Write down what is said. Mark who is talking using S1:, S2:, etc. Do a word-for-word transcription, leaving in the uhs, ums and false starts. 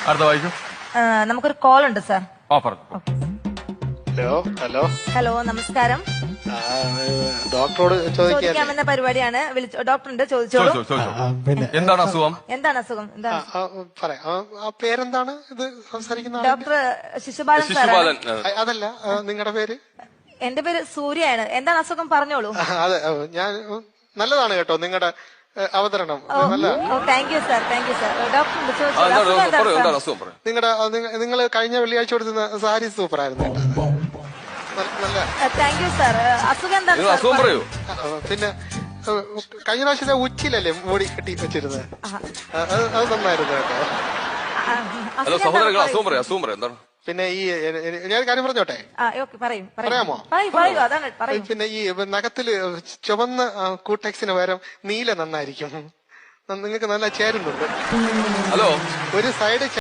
S1: അടുത്ത വായിക്കും.
S2: ആ, നമുക്കൊരു കോൾ ഉണ്ട് സാർ.
S1: ആ പറഞ്ഞു.
S3: ഹലോ ഹലോ
S2: ഹലോ, നമസ്കാരം.
S3: ആ, ഡോക്ടറോട് ചോദിക്കാൻ
S2: ചോദിക്കാമെന്ന പരിപാടിയാണ്. വിളിച്ചു ഡോക്ടറുണ്ട്, ചോദിച്ചോളൂ.
S1: ചോദിച്ചോ, ചോദിച്ചോ.
S3: പിന്നെ
S1: എന്താണ് അസുഖം?
S2: എന്താണ് അസുഖം?
S3: ആ,
S2: എന്താണ്?
S3: ആ, പറയാം ആ, ആ പേരെന്താണ് ഇത് സംസാരിക്കുന്ന ആളുടെ?
S2: ഡോക്ടർ ശിശുപാലൻ
S1: ശിശുപാലൻ.
S2: സാറാണ്.
S1: ആ.
S3: ആ, അതല്ല നിങ്ങളുടെ പേര്?
S2: എന്റെ പേര് സൂര്യയാണ്. എന്താണ് അസുഖം? പറഞ്ഞോളൂ.
S3: ആ, അതെ ആ, ഞാൻ ഉം, നല്ലതാണ് കേട്ടോ നിങ്ങളുടെ അവതരണം. നല്ല
S2: thank you sir, thank you sir. ഡോക്ടറുണ്ട്,
S1: ആ,
S2: ചോദിച്ചോളൂ.
S1: എന്താണ്
S2: അസുഖം എന്താണ്
S1: പറയൂ,
S2: സാർ?
S1: എന്താണ് അസുഖം പറയൂ.
S3: നിങ്ങളുടെ നിങ്ങൾ കഴിഞ്ഞ വെള്ളിയാഴ്ച കൊടുത്തുന്ന സാരി സൂപ്പർ ആയിരുന്നു കേട്ടോ. നല്ല- നല്ല
S2: താങ്ക് യു സാർ. അസുഖം എന്താണ്
S1: നിങ്ങൾ
S2: സാർ?
S1: അസുഖം പറയൂ.
S3: ആ, ആ, പിന്നെ ആ, കഴിഞ്ഞ പ്രാവശ്യത്തെ ഉച്ചിലല്ലേ മൂടി കെട്ടി വെച്ചിരുന്നത്?
S2: ആഹാ.
S3: ആ, അത് അത് നന്നായിരുന്നു കേട്ടോ.
S2: ആ,
S1: ഹലോ
S2: അസുഖം
S1: സഹോദരങ്ങൾ,
S2: എന്താണ്?
S1: അസുഖം പറയൂ, അസുഖം പറയൂ. എന്താണ്?
S3: പിന്നെ ഈ എ- എ- ഞാൻ ഒരു കാര്യം പറഞ്ഞോട്ടെ?
S2: ആ, ഓക്കെ, പറയൂ. പറയൂ.
S3: പറയാമോ?
S2: പറയൂ, പറയൂ. അതാണ് പറയൂ.
S3: പിന്നെ ഈ നഖത്തില് ചുവന്ന ആ, കൂട്ടെക്സിന് പകരം നീല നന്നായിരിക്കും. നിങ്ങൾക്ക് നല്ല ചേരുന്നുണ്ട്.
S1: ഹലോ
S3: ഒരു സൈഡ്